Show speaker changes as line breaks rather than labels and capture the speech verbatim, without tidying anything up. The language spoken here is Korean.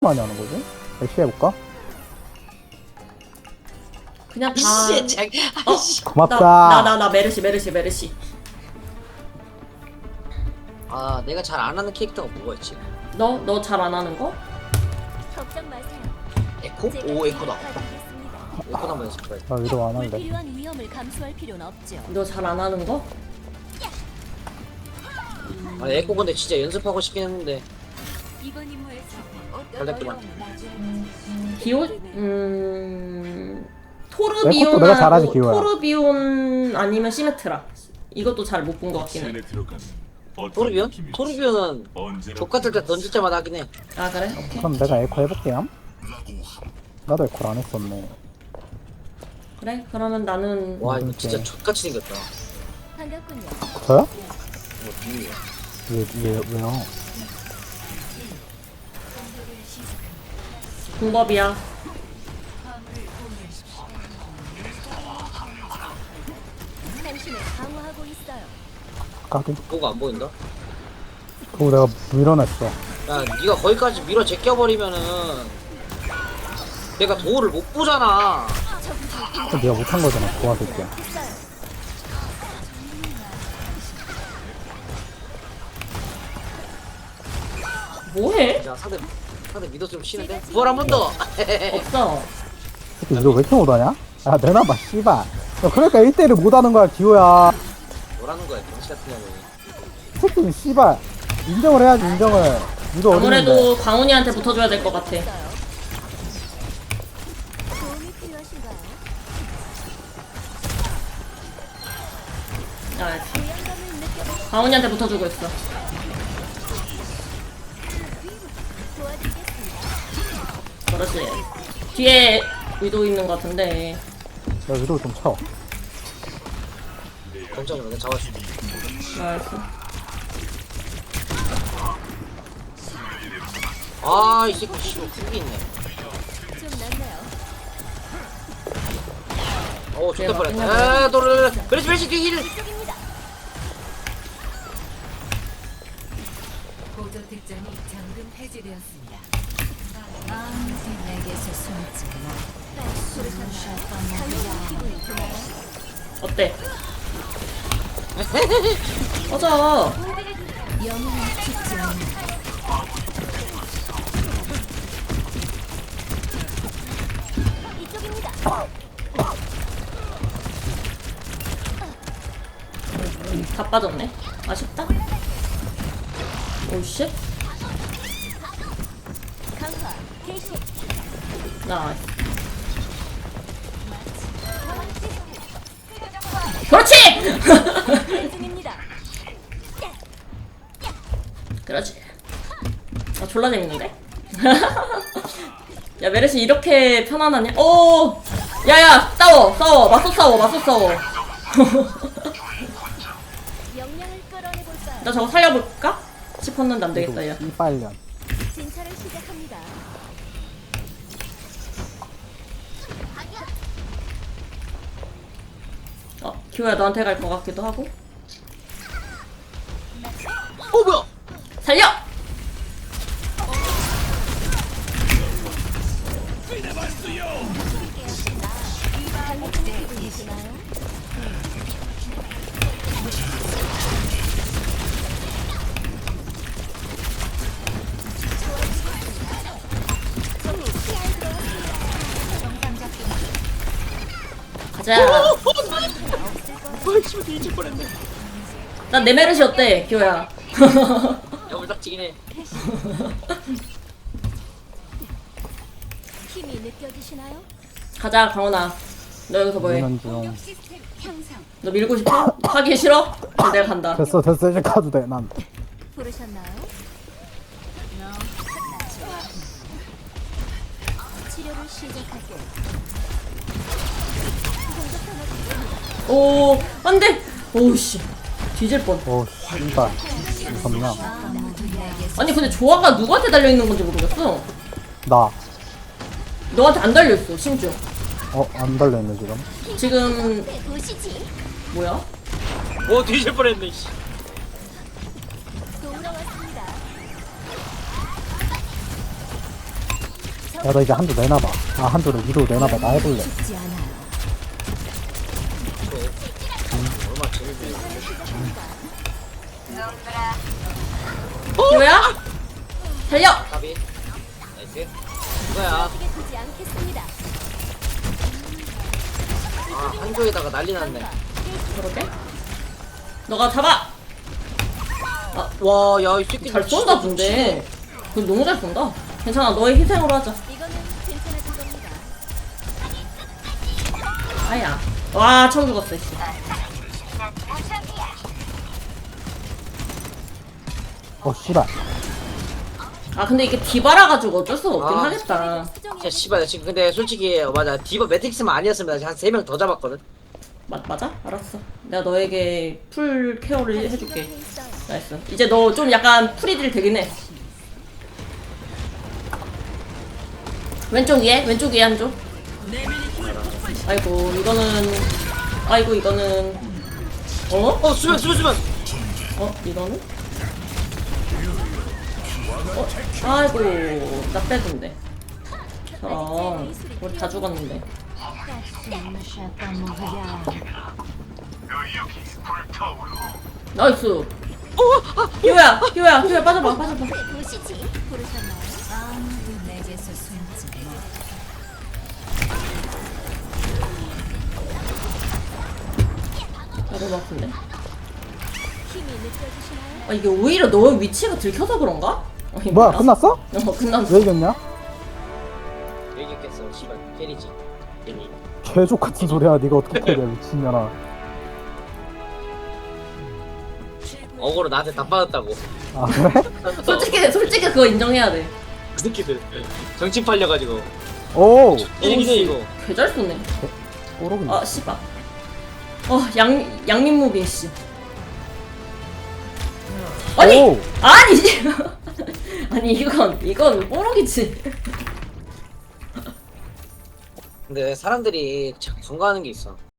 많이 하는 거지? 애쉬 해볼까?
그냥 다.
이씨, 장,
어?
아이씨.
고맙다.
나 나 나 메르시 메르시 메르시.
아, 내가 잘 안 하는 캐릭터가 뭐가 있지?
너 너 잘 안 하는 거?
걱정 마세요.
에코?
제가
오, 에코다.
도와드리겠습니다.
에코 한번 연습해.
나 위로 안 할래.
불필요한 위험을 감수할 필요는 없죠.
너 잘 안 하는 거?
아, 에코 근데 진짜 연습하고 싶긴 했는데.
이번 임무에서 어떤
걸렸구만.
어려움을 맞이할지
기호 음
내 것도 내가 잘하지,
토르비온하고
기호야.
토르비온 아니면 시메트라. 이것도 잘 못 본 것 같긴 해.
토르비온? 토르비온은 족같을 때 던질 때마다 하긴 해.
아 그래? 오케이.
그럼 내가 에코 해볼게요. 나도 에코를 안 했었네.
그래? 그러면 나는
와, 이거
오케이.
진짜 족같이 생겼다.
반갑군요.
저요?
뭐, 비밀이야.
왜, 왜, 왜요?
공법이야.
당신을 강화하고 있어요.
까기?
뭐가 안 보인다?
그거 내가 밀어냈어.
야, 네가 거기까지 밀어 제껴버리면은 내가 도우를 못 보잖아.
그거 네가 못한 거잖아. 도와줄게.
뭐해?
자, 사대 사대 믿었으면 치는데. 부활 한 번 더.
없어.
새끼 이거 왜 이렇게 못하냐? 야, 내놔봐, 씨발. 야, 그러니까 일 대일을 못하는 거야, 기호야.
뭐라는 거야, 병신 같은 년이.
새끼는 씨발. 인정을 해야지, 인정을. 이거 어딨는데.
아무래도 광훈이한테 붙어줘야 될 것 같아.
도움이 필요하신가요?
아,
부양감을 느껴보
광훈이한테 붙어주고 있어.
도와드리겠습니다.
그렇지. 뒤에 위도 있는 것 같은데.
야, 위로 좀 쳐.
걱정을 내가 잡았어.
알았어.
아, 이 새끼 씨발 훅이 있네.
좀 낫나요?
어, 좋다
대박.
뻔했다. 에, 도르르. 그렇지, 그렇지, 뒤에 힐.
이쪽입니다.
보조 특전이 잠금 해제되었습니다. 아무도 내게서 숨지 마.
당연히 기분이 드나요?
어때? 꺼져.
영웅은 죽지 않는다.
이쪽입니다.
다 빠졌네. 아쉽다. 오씨.
강화 개시.
나. 그렇지.
중입니다.
그렇지. 아 졸라 재밌는데? 야 메르시 이렇게 편안하냐? 오! 야야 싸워 싸워 맞서 싸워 맞서 싸워.
역량을 끌어내볼까요?
나 저거 살려볼까? 싶었는데 안 되겠다 야.
씨발년.
진찰을 시작합니다.
어 기호야 너한테 갈 것 같기도 하고.
어, 뭐야?
살려!
당신의 기분이 드나요?
가자.
아, 씨발 뒤질 뻔했네.
난 내 메르시 어때 기호야?
야물딱지긴 해.
힘이 느껴지시나요?
가자 강훈아. 너 여기서 뭐해?
미는 중.
시스템 향상.
너 밀고 싶어? 하기 싫어? 그럼 내가 간다.
됐어, 됐어. 이제 가도 돼, 난.
부르셨나요? 치료를 시작할게요.
오 안돼. 오우씨 뒤질 뻔.
오, 씨발. 무섭냐?
아무도 내게서
아니 근데 조화가 누구한테 달려있는 건지 모르겠어.
나.
너한테 안 달려있어 심지어.
어, 안 달려있네, 지금.
지금
보시지.
뭐야?
어, 뒤질 뻔했네, 씨.
돌아왔습니다.
야, 너 이제 한두 내놔봐. 아, 한두를 위로 내놔봐. 나 해볼래.
죽지 않아요.
얼마 재밌네.
뭐야? 달려!
가비. 나이스. 이거야.
이게 두지 않겠습니다.
아, 한쪽에다가 난리 났네.
그러게? 너가 잡아!
와, 야, 이 새끼
잘 쏜다, 근데. 그 너무 잘 쏜다. 괜찮아, 너의 희생으로 하자.
이거는 괜찮아진 겁니다.
아야. 와, 처음 죽었어, 씨.
어, 씨발.
아, 근데 이게 디바라가지고 어쩔 수가 없긴
아.
하겠다.
야, 씨발, 나 지금 근데 솔직히, 어, 맞아. 디바 매트릭스만 아니었으면 나 한 세 명 더 잡았거든.
맞, 맞아? 알았어. 내가 너에게 풀 케어를 해줄게.
주변에 있어요.
나이스. 이제 너 좀 약간 프리딜 되긴 해. 왼쪽 위에? 왼쪽 위에 한쪽. 아이고, 이거는. 아이고, 이거는. 어?
어, 수면, 수면, 수면!
어? 이거는? 어? 아이고, 나 빼준대. 저런. 우리 다 죽었는데. 나이스. 기호야, 기호야, 기호야, 빠져봐, 빠져봐.
보시지. 부르셨나요?
아무도 내게서 숨지 마.
아, 너무 아픈데.
힘이 느껴지시나요?
아, 이게 오히려 너의 위치가 들켜서 그런가? 어, 이게
뭐야,
뭐야?
끝났어?
어, 끝났어.
왜 이겼냐?
얘기했겠어, 씨발. 캐리지. 괜히.
개족 같은 소리야. 네가 어떻게 해야 돼, 미친년아.
어거로 나한테 다 빠졌다고.
아, 그래?
솔직히, 솔직히 그거 인정해야 돼.
그 새끼들. 정치 팔려가지고.
오!
이기네, 이거.
개잘 쏘네.
오로군.
아, 씨발. 어, 양, 양민무빙 씨. 아니!
오!
아니! 아니, 이건, 이건 뽀록이지.
근데 사람들이 참 간과하는 게 있어.